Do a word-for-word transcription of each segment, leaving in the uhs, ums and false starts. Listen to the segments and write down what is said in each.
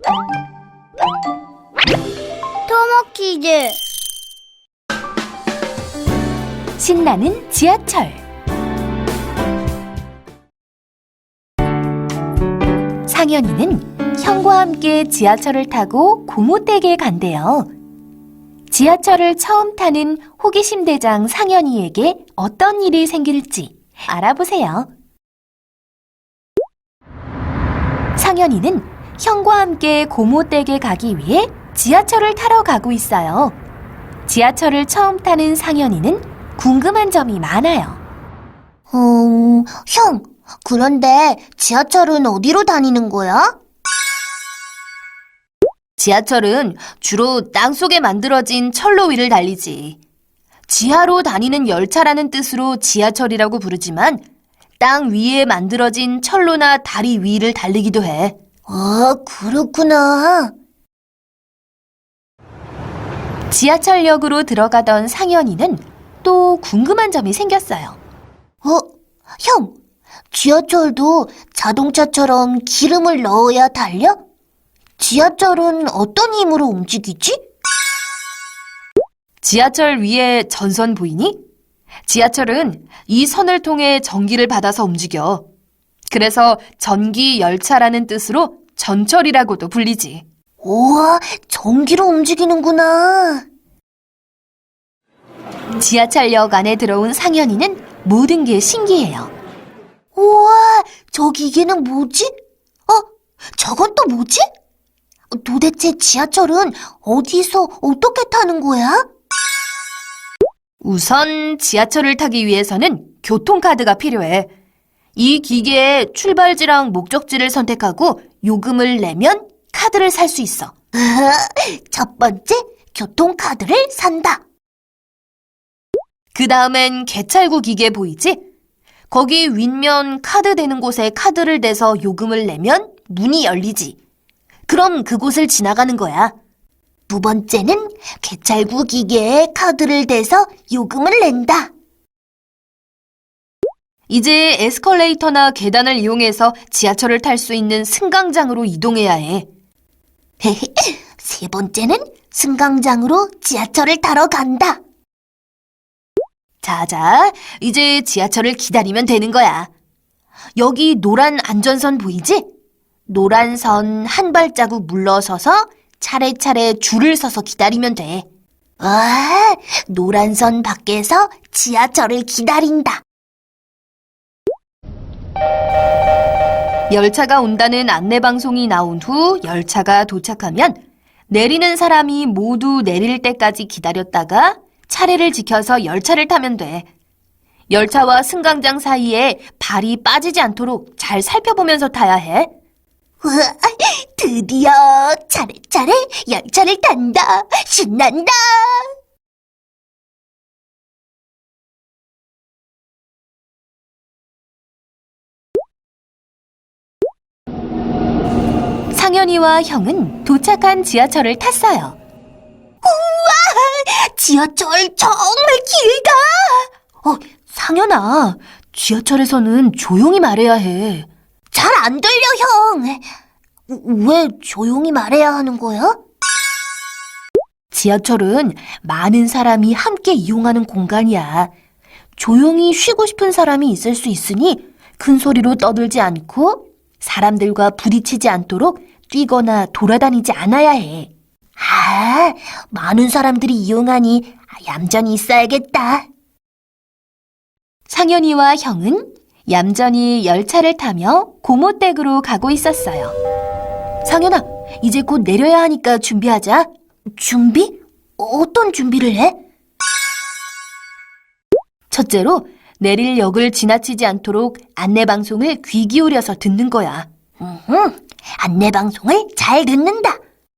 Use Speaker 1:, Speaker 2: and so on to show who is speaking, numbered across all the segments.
Speaker 1: 토모 퀴즈.
Speaker 2: 신나는 지하철. 상현이는 형과 함께 지하철을 타고 고모댁에 간대요. 지하철을 처음 타는 호기심 대장 상현이에게 어떤 일이 생길지 알아보세요. 상현이는 형과 함께 고모댁에 가기 위해 지하철을 타러 가고 있어요. 지하철을 처음 타는 상현이는 궁금한 점이 많아요.
Speaker 1: 음, 형, 그런데 지하철은 어디로 다니는 거야?
Speaker 2: 지하철은 주로 땅속에 만들어진 철로 위를 달리지. 지하로 다니는 열차라는 뜻으로 지하철이라고 부르지만 땅 위에 만들어진 철로나 다리 위를 달리기도 해.
Speaker 1: 아, 그렇구나.
Speaker 2: 지하철역으로 들어가던 상현이는 또 궁금한 점이 생겼어요.
Speaker 1: 어, 형, 지하철도 자동차처럼 기름을 넣어야 달려? 지하철은 어떤 힘으로 움직이지?
Speaker 2: 지하철 위에 전선 보이니? 지하철은 이 선을 통해 전기를 받아서 움직여. 그래서 전기 열차라는 뜻으로 전철이라고도 불리지.
Speaker 1: 우와, 전기로 움직이는구나.
Speaker 2: 지하철역 안에 들어온 상현이는 모든 게 신기해요.
Speaker 1: 우와, 저 기계는 뭐지? 어, 저건 또 뭐지? 도대체 지하철은 어디서 어떻게 타는 거야?
Speaker 2: 우선 지하철을 타기 위해서는 교통카드가 필요해. 이 기계에 출발지랑 목적지를 선택하고 요금을 내면 카드를 살 수 있어.
Speaker 1: 첫 번째, 교통카드를 산다.
Speaker 2: 그 다음엔 개찰구 기계 보이지? 거기 윗면 카드 대는 곳에 카드를 대서 요금을 내면 문이 열리지. 그럼 그곳을 지나가는 거야.
Speaker 1: 두 번째는 개찰구 기계에 카드를 대서 요금을 낸다.
Speaker 2: 이제 에스컬레이터나 계단을 이용해서 지하철을 탈 수 있는 승강장으로 이동해야 해.
Speaker 1: 세 번째는 승강장으로 지하철을 타러 간다.
Speaker 2: 자자, 이제 지하철을 기다리면 되는 거야. 여기 노란 안전선 보이지? 노란 선 한 발자국 물러서서 차례차례 줄을 서서 기다리면 돼.
Speaker 1: 와, 노란 선 밖에서 지하철을 기다린다.
Speaker 2: 열차가 온다는 안내방송이 나온 후 열차가 도착하면 내리는 사람이 모두 내릴 때까지 기다렸다가 차례를 지켜서 열차를 타면 돼. 열차와 승강장 사이에 발이 빠지지 않도록 잘 살펴보면서 타야 해.
Speaker 1: 우와, 드디어 차례차례 열차를 탄다. 신난다.
Speaker 2: 상현이와 형은 도착한 지하철을 탔어요.
Speaker 1: 지하철 정말 길다.
Speaker 2: 어, 상현아, 지하철에서는 조용히 말해야 해.
Speaker 1: 잘 안 들려, 형. 왜 조용히 말해야 하는 거야?
Speaker 2: 지하철은 많은 사람이 함께 이용하는 공간이야. 조용히 쉬고 싶은 사람이 있을 수 있으니 큰 소리로 떠들지 않고 사람들과 부딪히지 않도록 뛰거나 돌아다니지 않아야 해.
Speaker 1: 아, 많은 사람들이 이용하니 얌전히 있어야겠다.
Speaker 2: 상현이와 형은 얌전히 열차를 타며 고모댁으로 가고 있었어요. 상현아, 이제 곧 내려야 하니까 준비하자.
Speaker 1: 준비? 어떤 준비를 해?
Speaker 2: 첫째로 내릴 역을 지나치지 않도록 안내방송을 귀 기울여서 듣는 거야.
Speaker 1: 음, 안내방송을 잘 듣는다.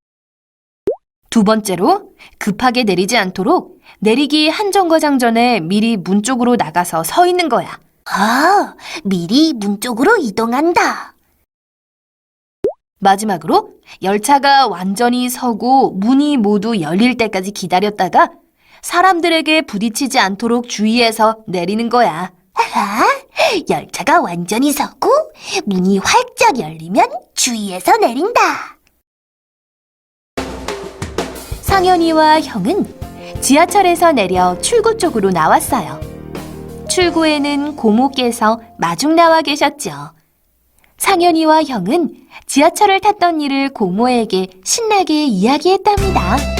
Speaker 2: 두 번째로 급하게 내리지 않도록 내리기 한 정거장 전에 미리 문 쪽으로 나가서 서 있는 거야.
Speaker 1: 아, 미리 문 쪽으로 이동한다.
Speaker 2: 마지막으로 열차가 완전히 서고 문이 모두 열릴 때까지 기다렸다가 사람들에게 부딪히지 않도록 주의해서 내리는 거야.
Speaker 1: 아, 열차가 완전히 서고 문이 활짝 열리면 주의해서 내린다.
Speaker 2: 상현이와 형은 지하철에서 내려 출구 쪽으로 나왔어요. 출구에는 고모께서 마중 나와 계셨죠. 상현이와 형은 지하철을 탔던 일을 고모에게 신나게 이야기했답니다.